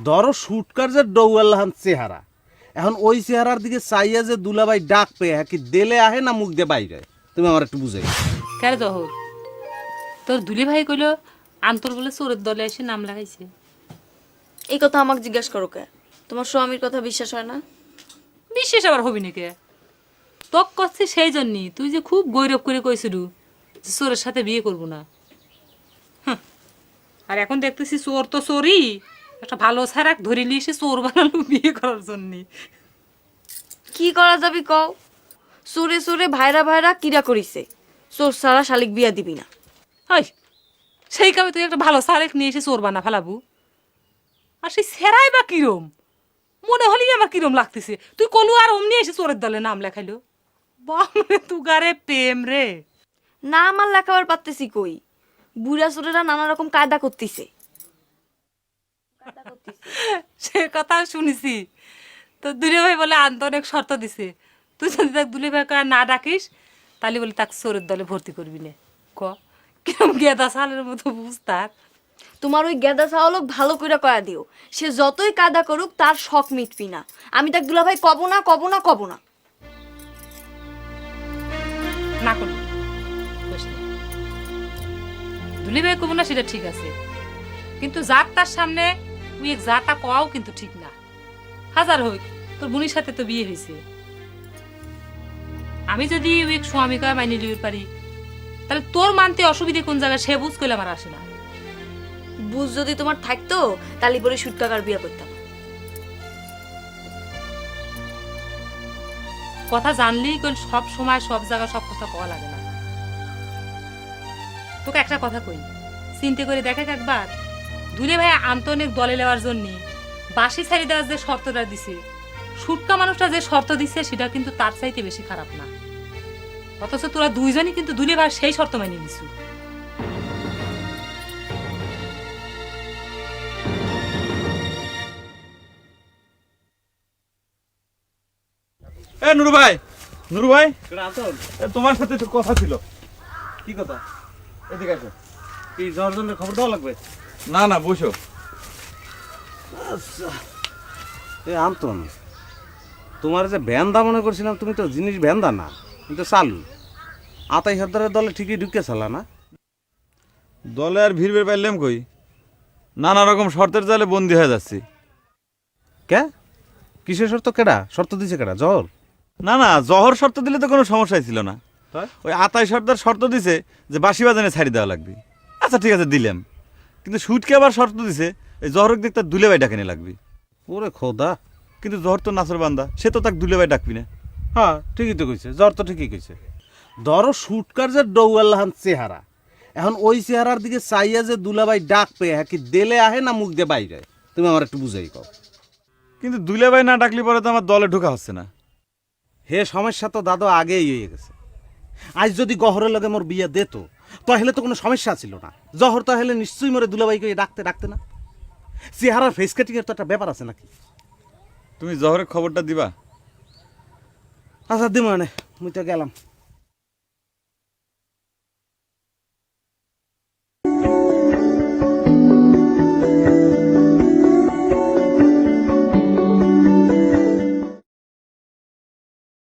ধরো শুটকার যে ডৌয়াল্লাহান চেহারা, এখন ওই চেহারার দিকে চাইয়া যে দুলাভাই ডাক পেয়ে কি দেলে আহে না মুখ দিয়ে বাইরে, তুমি আমার একটু বুঝাই। কেন জহর, তোর দুলি ভাই কইল আন্তর বলে চোরের দলে এসে নাম লাগাইছে। এই কথা আমাকে জিজ্ঞাসা করো কে? তোমার স্বামীর কথা বিশ্বাস হয় না? বিশেষ আবার হবি নাকি? তক করছি সেই জন্যই, তুই যে খুব গৌরব করে কইছিল যে চোরের সাথে বিয়ে করবো না। আর এখন দেখতেছি চোর তো চোরই, একটা ভালো ছাড়াক ধরে নিয়ে এসে চোর বানালো বিয়ে করার জন্যে। কি করা যাবে কও? সুরে সুরে ভাইরা ভাইরা কিরা করিছে, চোর সারা শালিক বিয়া দিবি না। হাই, সেই কামে তুই একটা ভালো ছাড়াক নিয়ে এসে চোর বানা ফেলাবু? আর সেই সেরাই বা কিরম মনে হলি আমার কিরম লাগতেছে, তুই কলু আর অমনি এসে চোরের দলে নাম লেখাইলো। বামরে তুগারে প্রেম রে। না আমার লেখাবার পারতেছি কই, বুড়া চোরেরা নানা রকম কায়দা করতেছে। সে কথা শুনেছি, তো দুলে ভাই বলে আনতে অনেক শর্ত দিছে, তুই যদি তাকে দুলে ভাই না ডাকিস তাহলে বলে তাকে চোরের দলে ভর্তি করবি না। ক কিরম গেদা সালের মতো বুঝতার। তোমার ওই গেদা চাওয়ালক ভালো করে কয়া দিও, সে যতই কায়দা করুক তার শখ মিটবি না। আমি তাক দুলা ভাই কব না কব না কব না। না করবি দুলি ভাই কব না সেটা ঠিক আছে, কিন্তু যার তার সামনে তুই এক যাটা কওয়াও কিন্তু ঠিক না। হাজার হোক তোর বোনের সাথে তো বিয়ে হয়েছে, আমি যদি ওই স্বামী কয় মাইনে লিয়ে পারি তাহলে তোর মানতে অসুবিধে কোন জায়গায় সে বুঝ করলে আমার আসে না। বুঝ যদি তোমার থাকতো তাহলে পরে সুটকাকার বিয়া করতাম। কথা জানলেই কোন সব সময় সব জায়গায় সব কথা কওয়া লাগে না। তোকে একটা কথা কই, চিন্তা করে দেখে একবার, দুলে ভাই আন্তনিক দলে নেওয়ার জন্য বাসি ছাড়ি দেওয়ার যে শর্তটা দিছে, সুটকা মানুষটা যে শর্ত দিছে সেটা কিন্তু তার চাইতে বেশি খারাপ না। অথচ তোরা দুইজনই কিন্তু দুলে ভাই সেই শর্ত মেনে নিছু। এ নুরু ভাই, নুরু ভাই, আতন, এ তোমার সাথে একটু কথা ছিল। কি কথা? এদিকে আসো। কি যাওয়ার জন্য খবর দেওয়া লাগবে? না না, বসো। আচ্ছা, এ আন্তন, তোমার যে ভ্যানদা মনে করছিলাম, তুমি তো জিনিস ভ্যানদা না, কিন্তু চালু। আতাই সর্দারের দলে ঠিকই ঢুকে চালা না? দলে আর ভিড় বের পাইলাম কই, নানা রকম শর্তের জালে বন্দি হয়ে যাচ্ছি। কে কিসের শর্ত? কেডা শর্ত দিছে? কেডা? জহর? না না, জহর শর্ত দিলে তো কোনো সমস্যাই ছিল না। তাই? ওই আতাই সর্দার শর্ত দিছে যে বাঁশি বাজানে ছাড়ি দেওয়া লাগবে। আচ্ছা ঠিক আছে, দিলাম। কিন্তু সুটকে আবার শর্ত দিছে এই জহরক দিক তার দুলে ভাই ডাকেনে লাগবে। ওরে খোদা! কিন্তু জহর তো নাচর বান্দা, সে তো তাকে দুলে ভাই ডাকবি না। হ্যাঁ ঠিকই তো কইছে, জ্বর তো ঠিকই কইছে। ধরো শুটকার যে ডৌয়াল্লাহান চেহারা, এখন ওই চেহারার দিকে চাইয়া যে দুলাভাই ডাক পেয়ে কি দেলে আহে না মুখ দিয়ে বাইরে, তুমি আমার একটু বুঝাই কও। কিন্তু দুলে ভাই না ডাকলে পরে তো আমার দলে ঢোকা হচ্ছে না। হে সমস্যা তো দাদু আগেই হয়ে গেছে। আজ যদি গহরের লগে মোর বিয়ে দিত তাহলে তো কোনো সমস্যা ছিল না। জহর তাহলে নিশ্চয়ই মোরে দুলাভাইকে ডাকতে না। চেহারার ফেস কাটিং এর তো একটা ব্যাপার আছে নাকি? তুমি জহরের খবরটা দিবা? আচ্ছা দিম, মানে মুই তো গেলাম।